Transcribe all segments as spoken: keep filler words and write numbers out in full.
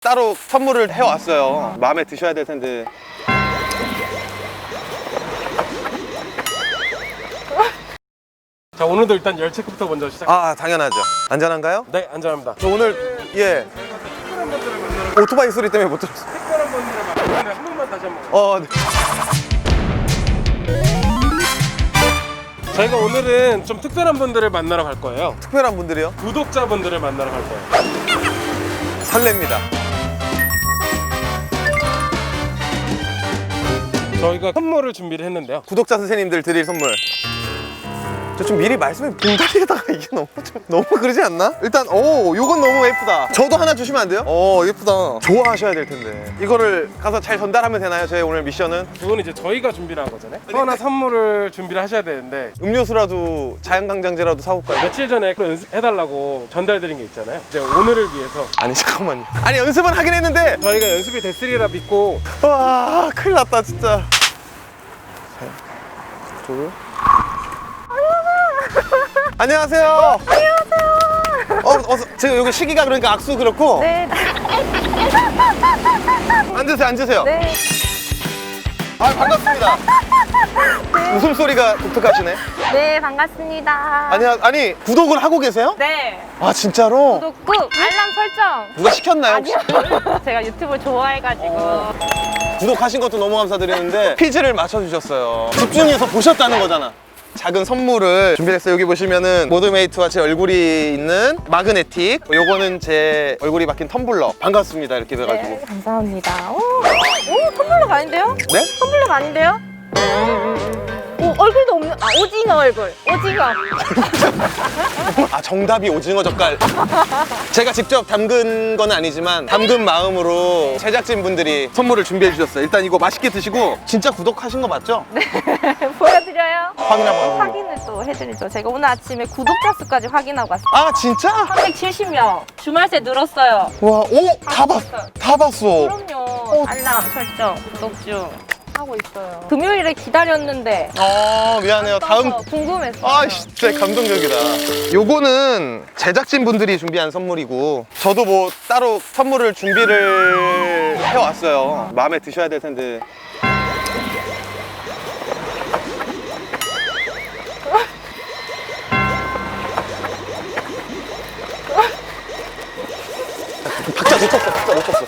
따로 선물을 해왔어요. 마음에 드셔야 될 텐데. 자, 오늘도 일단 열 체크부터 먼저 시작. 아, 당연하죠. 안전한가요? 네, 안전합니다. 저 오늘 예 특별한 분들을 만나러 오토바이 소리 때문에 못 들었어요. 특별한 분들을 만나러 한 번만 다시 한번. 어, 네. 저희가 오늘은 좀 특별한 분들을 만나러 갈 거예요. 특별한 분들이요? 구독자분들을 만나러 갈 거예요. 설렙니다. 저희가 선물을 준비를 했는데요. 구독자 선생님들 드릴 선물. 저 좀 미리 말씀해. 봉다리에다가 이게 너무 좀 너무 그러지 않나? 일단 오, 요건 너무 예쁘다. 저도 하나 주시면 안 돼요? 오, 예쁘다. 좋아하셔야 될 텐데. 이거를 가서 잘 전달하면 되나요? 저희 오늘 미션은 이거는 이제 저희가 준비를 한 거잖아요. 또 하나 선물을 준비를 하셔야 되는데 음료수라도 자연강장제라도 사올까요? 며칠 전에 그 연습해달라고 전달드린 게 있잖아요. 이제 오늘을 위해서 아니 잠깐만요. 아니 연습은 하긴 했는데 저희가 연습이 됐으리라 믿고. 와, 큰일 났다 진짜. 둘. 안녕하세요. 안녕하세요. 어, 어서, 지금 여기 시기가 그러니까 악수 그렇고. 네. 앉으세요, 앉으세요. 네. 아, 반갑습니다. 웃음소리가 독특하시네. 네, 반갑습니다. 아니, 아니, 구독을 하고 계세요? 네. 아, 진짜로? 구독 꾹! 알람 설정! 누가 시켰나요? 혹시? 아니요. 제가 유튜브 좋아해가지고. 구독하신 것도 너무 감사드리는데 퀴즈를 맞춰주셨어요. 집중해서 보셨다는 거잖아. 작은 선물을 준비했어요. 여기 보시면은 모드메이트와 제 얼굴이 있는 마그네틱, 요거는 제 얼굴이 박힌 텀블러. 반갑습니다 이렇게 돼가지고. 네, 감사합니다. 오, 오, 텀블러가 아닌데요? 네? 텀블러가 아닌데요? 오, 얼굴도 없는, 아, 오징어 얼굴. 오징어. 아, 정답이 오징어 젓갈. 제가 직접 담근 건 아니지만 담근 마음으로 제작진 분들이 선물을 준비해 주셨어요. 일단 이거 맛있게 드시고. 진짜 구독하신 거 맞죠? 네. 보여드려요? 확인 한번 하고. 확인을 또 해드리죠. 제가 오늘 아침에 구독자 수까지 확인하고 왔어요. 아, 진짜? 삼백칠십 명. 주말새 늘었어요. 와, 오, 다 봤, 다 봤어. 그럼요. 알람 설정, 구독 중 하고 있어요. 금요일에 기다렸는데. 아, 미안해요. 다음. 궁금했어요. 아, 진짜 감동적이다. 요거는 제작진 분들이 준비한 선물이고, 저도 뭐 따로 선물을 준비를 해왔어요. 마음에 드셔야 될 텐데. 박자 놓쳤어, 박자 놓쳤어.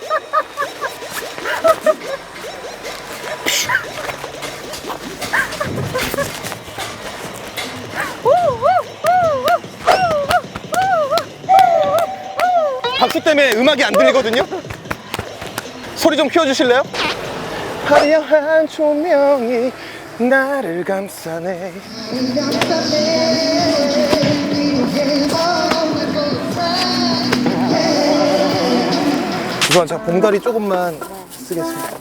박수 때문에 음악이 안 들리거든요? 소리 좀 키워주실래요? 화려한 조명이 나를 감싸네. 우선 자, 봉다리 조금만 쓰겠습니다.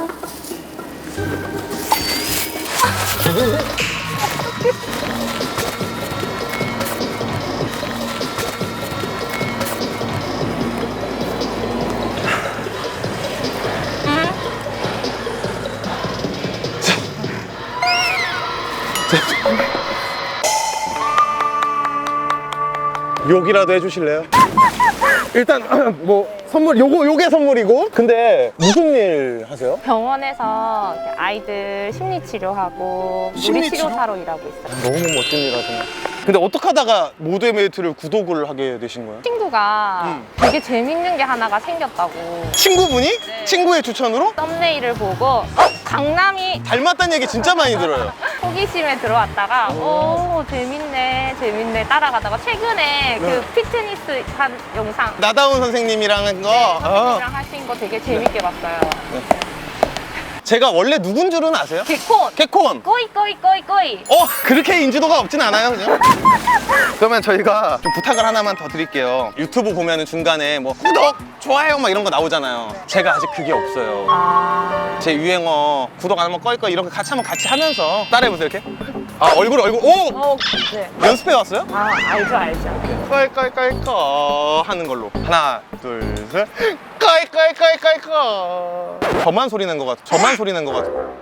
욕이라도 해주실래요? 일단 뭐 선물 요거 요게 선물이고. 근데 무슨 일 하세요? 병원에서 이렇게 아이들 심리 치료하고 심리 물리 치료사로 일하고 있어요. 너무 멋진 일 하시네. 근데 어떻게 하다가 모드메이트를 구독을 하게 되신 거예요? 친구가 음. 되게 재밌는 게 하나가 생겼다고 친구분이? 네. 친구의 추천으로? 썸네일을 보고 어? 강남이 닮았다는 얘기 진짜 많이 들어요. 호기심에 들어왔다가 오 재밌네 재밌네 따라가다가 최근에 네. 그 피트니스 한 영상 나다운 선생님이랑 한 거. 네, 아. 선생님이랑 하신 거 되게 재밌게 봤어요. 제가 원래 누군 줄은 아세요? 개콘 개콘. 꼬이 꼬이 꼬이 꼬이 어, 그렇게 인지도가 없진 않아요, 그냥. 그러면 저희가 좀 부탁을 하나만 더 드릴게요. 유튜브 보면은 중간에 뭐 구독, 좋아요 막 이런 거 나오잖아요. 제가 아직 그게 없어요. 아 제 유행어 구독 안 하면 꺼이 꺼이 이런 거 같이 한번 같이 하면서 따라해보세요, 이렇게. 아, 얼굴 얼굴. 오! 어, 네. 연습해 왔어요? 아 알죠 알죠. 꺼이 꺼이 꺼이 꺼 하는 걸로. 하나, 둘, 셋. 꺼이 꺼이 꺼이 꺼이 꺼. 저만 소리 낸 것 같아. 저만 소리 낸 것 같아. 꺼이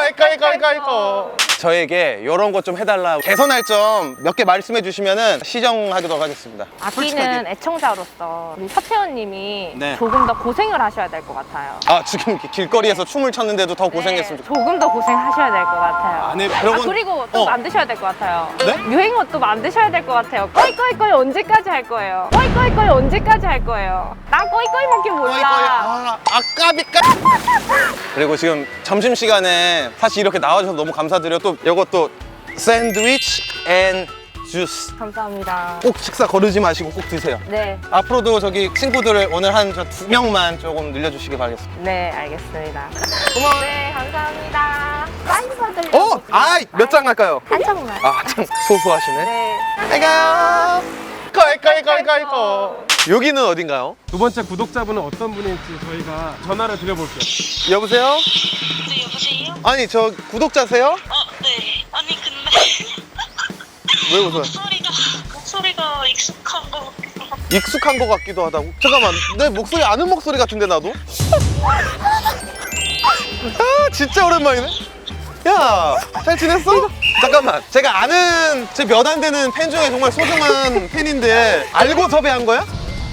까이까이까이까이까. 저에게 이런 것 좀 해달라, 개선할 점 몇 개 말씀해 주시면은 시정하도록 하겠습니다. 아끼는 애청자로서 우리 서채원님이 네. 조금 더 고생을 하셔야 될 것 같아요. 아, 지금 이렇게 길거리에서 춤을 췄는데도 더 고생했으면 네, 좋겠어요. 조금 더 고생하셔야 될 것 같아요. 아니, 아, 여러분. 그리고 또 어. 만드셔야 될 것 같아요. 네? 유행어 또 만드셔야 될 것 같아요. 꺼이꺼이꺼이 언제까지 할 거예요? 꺼이꺼이꺼이 언제까지 할 거예요? 난 꺼이꺼이밖에 몰라. 아, 아까비까. 그리고 지금 점심시간에 사실 이렇게 나와주셔서 너무 감사드려요. 또 이것도 샌드위치 앤 주스. 감사합니다. 꼭 식사 거르지 마시고 꼭 드세요. 네, 앞으로도 저기 친구들을 오늘 한 두 명만 조금 늘려주시기 바라겠습니다. 네, 알겠습니다. 고마워요. 네, 감사합니다. 사인 받으려고. 어? 아, 몇 장 할까요? 한 장만. 아, 참 소소하시네. 네. 아이가 꺼이꺼이꺼이꺼이꺼. 여기는 어딘가요? 두 번째 구독자분은 어떤 분일지 저희가 전화를 드려볼게요. 여보세요? 네, 여보세요? 아니, 저 구독자세요? 어, 네. 아니, 근데 왜 웃어요? 목소리가, 목소리가 익숙한 거 같기도 하고. 익숙한 것 같기도 하다고? 잠깐만, 내 목소리 아는 목소리 같은데 나도? 아, 진짜 오랜만이네. 야, 잘 지냈어? 잠깐만, 제가 아는 제 몇 안 되는 팬 중에 정말 소중한 팬인데 알고 섭외한 거야?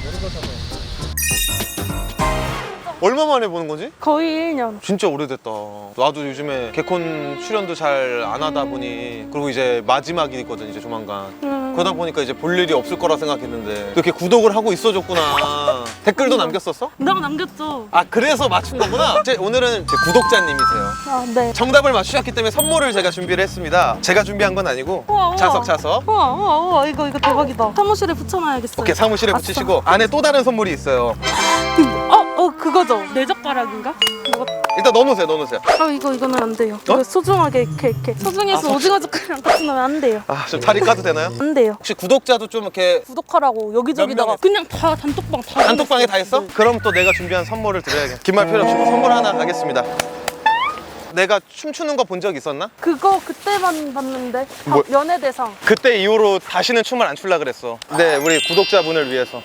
얼마 만에 보는 거지? 거의 일 년. 진짜 오래됐다. 나도 요즘에 개콘 출연도 잘 안 하다 보니, 그리고 이제 마지막이거든, 이제 조만간. 음. 그러다 보니까 이제 볼 일이 없을 거라 생각했는데 이렇게 구독을 하고 있어줬구나. 댓글도 남겼었어? 내가 남겼죠. 아, 그래서 맞춘 거구나. 제, 오늘은 제 구독자님이세요. 아, 네. 정답을 맞추셨기 때문에 선물을 제가 준비를 했습니다. 제가 준비한 건 아니고 우와, 우와. 자석 자석. 우와, 우와, 우와, 이거, 이거 대박이다. 사무실에 붙여놔야겠어요. 오케이, 사무실에 아싸. 붙이시고 안에 또 다른 선물이 있어요. 어, 어, 그거죠. 내 젓가락인가? 이거, 일단 넣어놓으세요, 넣어놓으세요. 아, 이거, 이거는 안 돼요. 이거 소중하게 이렇게, 이렇게. 소중해서 아, 오징어 젓가락 같이 넣으면 안 돼요. 아, 좀 자리 까도 되나요? 안 돼요. 혹시 구독자도 좀 이렇게 구독하라고 여기저기다가 몇 그냥 다 단톡방 다 단톡방에 다 해놨어요. 했어? 그럼 또 내가 준비한 선물을 드려야겠다. 긴 말 필요 없이 선물 하나 가겠습니다. 내가 춤추는 거 본 적 있었나? 그거 그때만 봤는데 다 뭐- 연예대상. 그때 이후로 다시는 춤을 안 출라 그랬어. 네, 우리 구독자분을 위해서.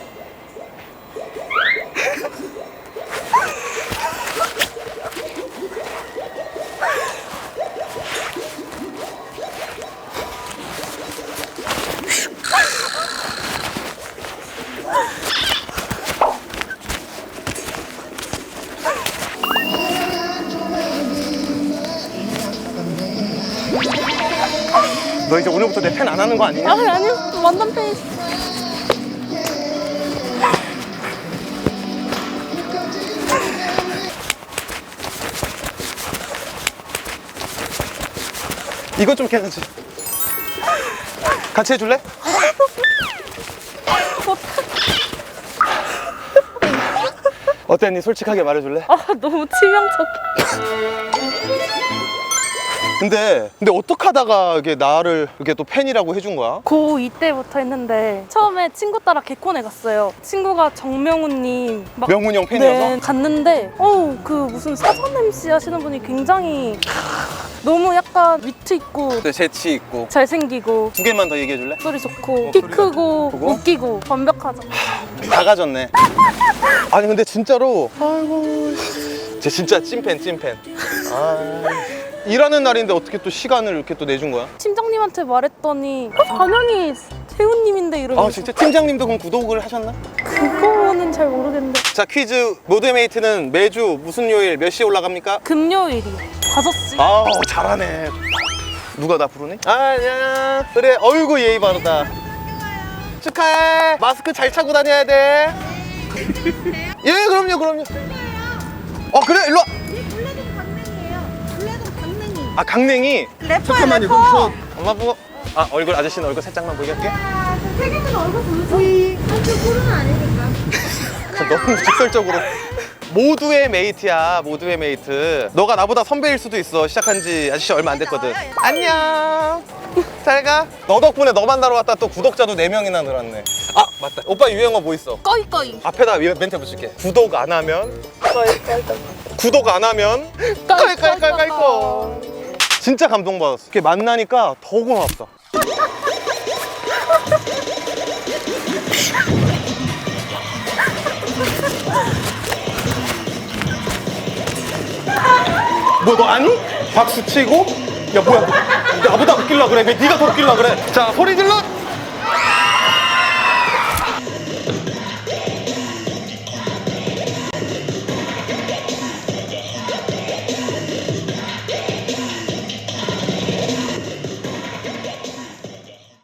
너 이제 오늘부터 내 팬 안 하는 거 아니냐? 아니, 아니, 완전 팬이시. 이거 좀 괜찮지? 같이 해줄래? 어땠니? 솔직하게 말해줄래? 아, 너무 치명적. 근데 근데 어떻게 하다가 이게 나를 이렇게 또 팬이라고 해준 거야? 고이 때부터 했는데 처음에 친구 따라 개콘에 갔어요. 친구가 정명훈님 막 명훈이 형 팬이어서? 네, 갔는데 어우 그 무슨 사전 엠씨 하시는 분이 굉장히 너무 약간 위트 있고 네, 재치 있고. 잘생기고 두 개만 더 얘기해 줄래? 목소리 좋고 어, 키 소리가 크고 크고? 웃기고 완벽하죠. 다 가졌네. 아니 근데 진짜로 아이고 쟤 진짜 찐팬 찐팬. 아, 일하는 날인데 어떻게 또 시간을 이렇게 또 내준 거야? 팀장님한테 말했더니 어, 당연히 태훈님인데 이러면서 아 진짜 팀장님도 그럼 구독을 하셨나? 그거는 잘 모르겠는데 자, 퀴즈 모드메이트는 매주 무슨 요일 몇 시에 올라갑니까? 금요일이 다섯 시. 아우 잘하네. 누가 나 부르네? 아, 안녕. 그래, 어이구 예의 바르다. 축하해. 마스크 잘 차고 다녀야 돼. 예, 그럼요, 그럼요. 어, 그래, 일로 와. 아, 강냉이. 잠깐만요, 그럼 저 엄마 보고. 아, 얼굴 아저씨는 얼굴 살짝만 보게 할게. 너무 직설적으로. 모두의 메이트야, 모두의 메이트. 너가 나보다 선배일 수도 있어. 시작한 지 아저씨 얼마 안 됐거든. 안녕. 잘 가. 너 덕분에 너 만나러 왔다 또 구독자도 네 명이나 늘었네. 아, 맞다. 오빠 유행어 뭐 있어? 꺼이꺼이. 앞에다 멘트 붙일게. 구독 안 하면 구독 안 하면 깔깔깔깔깔. 진짜 감동받았어. 이렇게 만나니까 더 고맙다. 뭐 너 아니? 박수 치고 야 뭐야 나보다 웃길라 그래 왜 네가 더 웃길라 그래 자 소리 질러